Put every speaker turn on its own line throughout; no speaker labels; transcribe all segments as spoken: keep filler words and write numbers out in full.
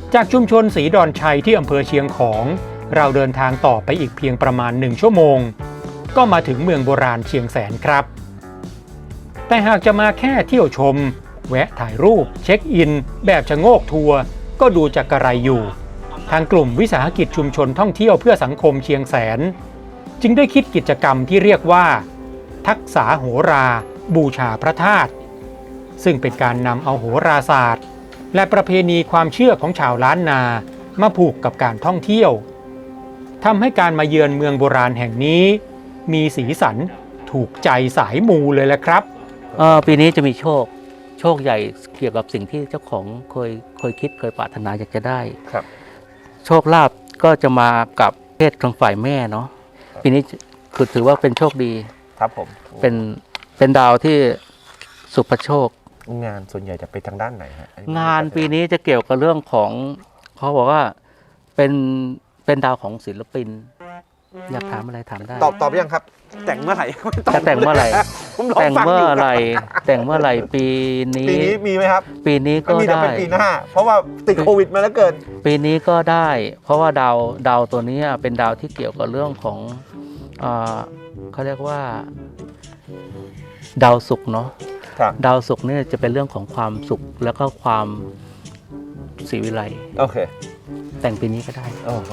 จากชุมชนศรีดอนชัยที่อำเภอเชียงของเราเดินทางต่อไปอีกเพียงประมาณหนึ่งชั่วโมงก็มาถึงเมืองโบราณเชียงแสนครับแต่หากจะมาแค่เที่ยวชมแวะถ่ายรูปเช็คอินแบบชะโงกทัวร์ก็ดูจะกระไรอยู่ทางกลุ่มวิสาหกิจชุมชนท่องเที่ยวเพื่อสังคมเชียงแสนจึงได้คิดกิจกรรมที่เรียกว่าทักษะโหราบูชาพระธาตุซึ่งเป็นการนำเอาโหราศาสตร์และประเพณีความเชื่อของชาวล้านนามาผูกกับการท่องเที่ยวทำให้การมาเยือนเมืองโบราณแห่งนี้มีสีสันถูกใจสายมูเลยแหละครับ
ปีนี้จะมีโชคโชคใหญ่เกี่ยวกับสิ่งที่เจ้าของเคยเคยคิดเคยปรารถนาอยากจะได้
ครับ
โชคลาภก็จะมากับเพศทางฝ่ายแม่เนาะปีนี้คือถือว่าเป็นโชคดี
ครับผม
เป็นเป็นดาวที่สุภโชค
งานส่วนใหญ่จะไปทางด้านไหนฮะ
งานปีนี้จะเกี่ยวกับเรื่องของเขาบอกว่าเป็นเป็นดาวของศิลปินอยากถามอะไรถามได้
ตอบตอบยังครับแต่งเมื่อไหร่
จะแต่งเมื่อไหร่แต่งเมื่อไหร่แต่งเมื่อไหร่ปีนี้
ปีนี้มีไหมครับ
ปีนี้ก็ได้มีแต่
เป็นปีหน้าเพราะว่าติดโควิดมาแล้วเกิน
ปีนี้ก็ได้เพราะว่าดาวดาวตัวนี้เป็นดาวที่เกี่ยวกับเรื่องของเขาเรียกว่าดาวศุกร์เนาะดาวศุกร์นี่จะเป็นเรื่องของความสุขแล้วก็ความศรีวิไล
โอเค
แต่งปีนี้ก็ได้
โอ้โห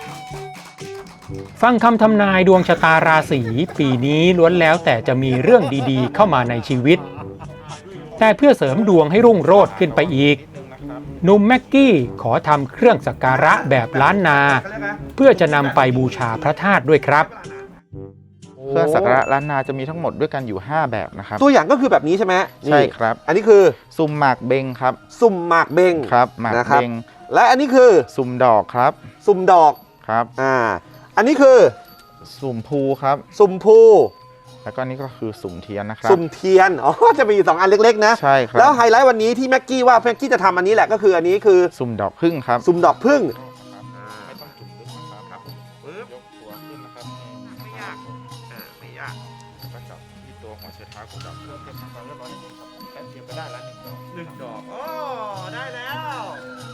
ฟังคำทำนายดวงชะตาราศีปีนี้ล้วนแล้วแต่จะมีเรื่องดีๆเข้ามาในชีวิตแต่เพื่อเสริมดวงให้รุ่งโรจน์ขึ้นไปอีกหนุ่มแม็กกี้ขอทำเครื่องสักการะแบบล้านนาเพื่อจะนำไปบูชาพระธาตุด้วยครับ
เครื่องสักการะล้านนาจะมีทั้งหมดด้วยกันอยู่ห้าแบบนะครับ
ตัวอย่างก็คือแบบนี้ใช่ไหม
ใช่ครับ
อันนี้คือ
ซุ่มหมากเบงครับ
ซุ่มหมากเบง
ครับหมากเบง
และอันนี้คือ
ซุ่มดอกครับ
ซุ่มดอก
ครับ
อ่าอันนี้คือ
สุ่มภูครับ
สุ่มภู
แล้วก็นี่ก็คือสุ่มเทียนนะครับ
สุ่มเทียนอ๋อจะมีอยู่สองอันเล็กๆนะ
ใช่ครับ
แล้วไฮไลท์วันนี้ที่แม็กกี้ว่าแม็กกี้จะทำอันนี้แหละก็คืออันนี้คือ
สุ่มดอกพึ่งครับ
สุ่มดอกพึ่ง
ไม่ต้องจุ่มลึกนะครับปึ๊บยกตัวขึ้นนะครับไม่ยากอ่าไม่ยากก็จับที่ตัวหัวเชือกเท้าของเราเพื่อเก็บความเรียบร้อยนิดนึงครับแป๊บเดียวก็ได้แล้วหนึ่งดอก
หนึ่งดอกโอ้ได้แล้ว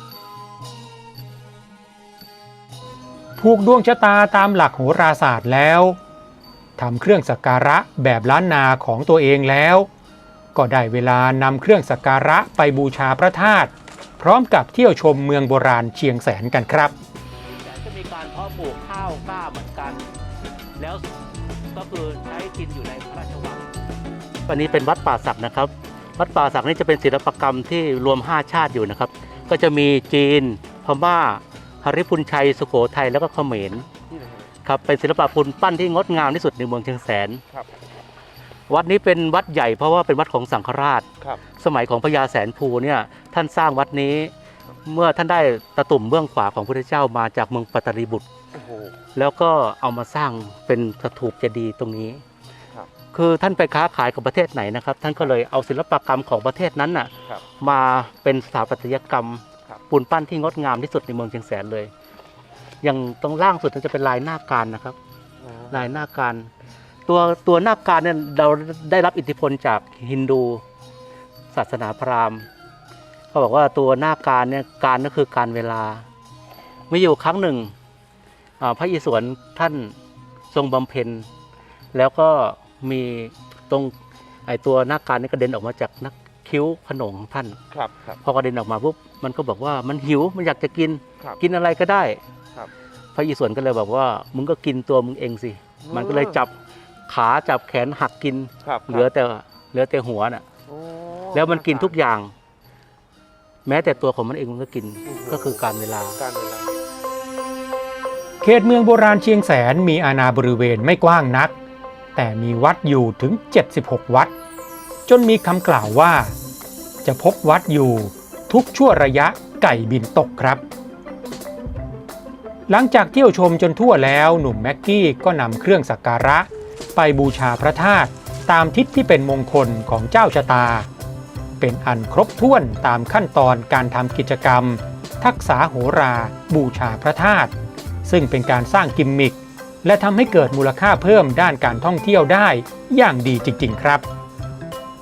ผูกดวงชะตาตามหลักโหราศาสตร์แล้วทำเครื่องสักการะแบบล้านนาของตัวเองแล้วก็ได้เวลานำเครื่องสักการะไปบูชาพระธาตุพร้อมกับเที่ยวชมเมืองโบราณเชียงแสนกันครับ
จะมีการเพาะปลูกข้าวกล้าเหมือนกันแล้วก็คือใช้กินอยู่ในพระราชวังวันนี้เป็นวัดป่าสักนะครับวัดป่าสักนี่จะเป็นศิลปกรรมที่รวมห้าชาติอยู่นะครับก็จะมีจีนพม่าหฤพุนชัยสุโขทัยแล้วก็เขมรครับเป็นศิลปะปูนปั้นที่งดงามที่สุดในเมืองเชียงแสนวัดนี้เป็นวัดใหญ่เพราะว่าเป็นวัดของสังฆราชสมัยของพญาแสนภูเนี่ยท่านสร้างวัดนี้เมื่อท่านได้ตะตุ่มเบื้องขวาของพระพุทธเจ้ามาจากเมืองปัตตลีบุตรแล้วก็เอามาสร้างเป็นสถูปเจดีย์ตรงนี้คือท่านไปค้าขายกับประเทศไหนนะครับท่านก็เลยเอาศิลปกรรมของประเทศนั้นน่ะมาเป็นสถาปัตยกรรมปูนปั้นที่งดงามที่สุดในเมืองเชียงแสนเลยอย่างตรงล่างสุดจะเป็นลายหน้าการนะครับลายหน้าการตัวตัวหน้าการเนี่ยเราได้รับอิทธิพลจากฮินดูศาสนาพราหมณ์เขาบอกว่าตัวหน้าการเนี่ยการก็คือการเวลามีอยู่ครั้งหนึ่งพระอิศวรท่านทรงบำเพ็ญแล้วก็มีตรงไอตัวหน้าการนี่กระเด็นออกมาจากนักคิ้วขนงของท่านพอกระเด็นออกมาปุ๊บมันก็บอกว่ามันหิวมันอยากจะกินกินอะไรก็ได้พระอิศวรก็เลยบอกว่ามึงก็กินตัวมึงเองสิมันก็เลยจับขาจับแขนหักกินเหลือแต่เหลือแต่หัวน่ะแล้วมันกินทุกอย่างแม้แต่ตัวของมันเองมันก็กินก็คือการเวลา
เขตเมืองโบราณเชียงแสนมีอาณาบริเวณไม่กว้างนักแต่มีวัดอยู่ถึงเจ็ดสิบหกวัดจนมีคำกล่าวว่าจะพบวัดอยู่ทุกชั่วระยะไก่บินตกครับหลังจากเที่ยวชมจนทั่วแล้วหนุ่มแม็กกี้ก็นำเครื่องสักการะไปบูชาพระธาตุตามทิศที่เป็นมงคลของเจ้าชะตาเป็นอันครบถ้วนตามขั้นตอนการทำกิจกรรมทักษะโหราบูชาพระธาตุซึ่งเป็นการสร้างกิมมิคและทำให้เกิดมูลค่าเพิ่มด้านการท่องเที่ยวได้อย่างดีจริงๆครับ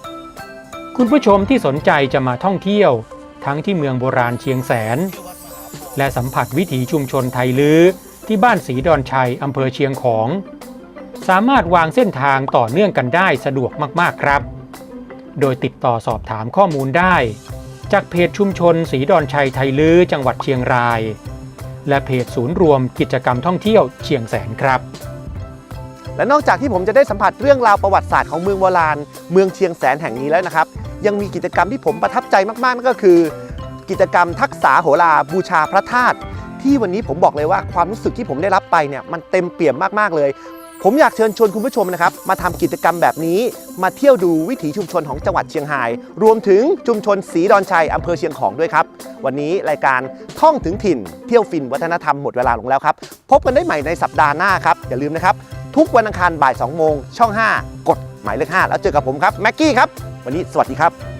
คุณผู้ชมที่สนใจจะมาท่องเที่ยวทั้งที่เมืองโบราณเชียงแสนและสัมผัสวิถีชุมชนไทยลื้อที่บ้านศรีดอนชัยอำเภอเชียงของ สามารถวางเส้นทางต่อเนื่องกันได้สะดวกมากๆครับโดยติดต่อสอบถามข้อมูลได้จากเพจชุมชนศรีดอนชัยไทยลื้อจังหวัดเชียงรายและเพจศูนย์รวมกิจกรรมท่องเที่ยวเชียงแสนครับ
และนอกจากที่ผมจะได้สัมผัสเรื่องราวประวัติศาสตร์ของเมืองโบราณเมืองเชียงแสนแห่งนี้แล้วนะครับยังมีกิจกรรมที่ผมประทับใจมากๆนั่นก็คือ กิจกรรมทักษะโหราบูชาพระธาตุที่วันนี้ผมบอกเลยว่าความรู้สึกที่ผมได้รับไปเนี่ยมันเต็มเปี่ยมมากๆเลยผมอยากเชิญชวนคุณผู้ชมนะครับมาทำกิจกรรมแบบนี้มาเที่ยวดูวิถีชุมชนของจังหวัดเชียงรายรวมถึงชุมชนศรีดอนชัยอำเภอเชียงของด้วยครับวันนี้รายการท่องถึงถิ่นเที่ยวฟินวัฒนธรรมหมดเวลาลงแล้วครับพบกันได้ใหม่ในสัปดาห์หน้าครับอย่าลืมนะครับทุกวันอังคารบ่ายสองโมงช่องห้ากดหมายเลขห้าแล้วเจอกับผมครับแม็กกี้ครับวันนี้สวัสดีครับ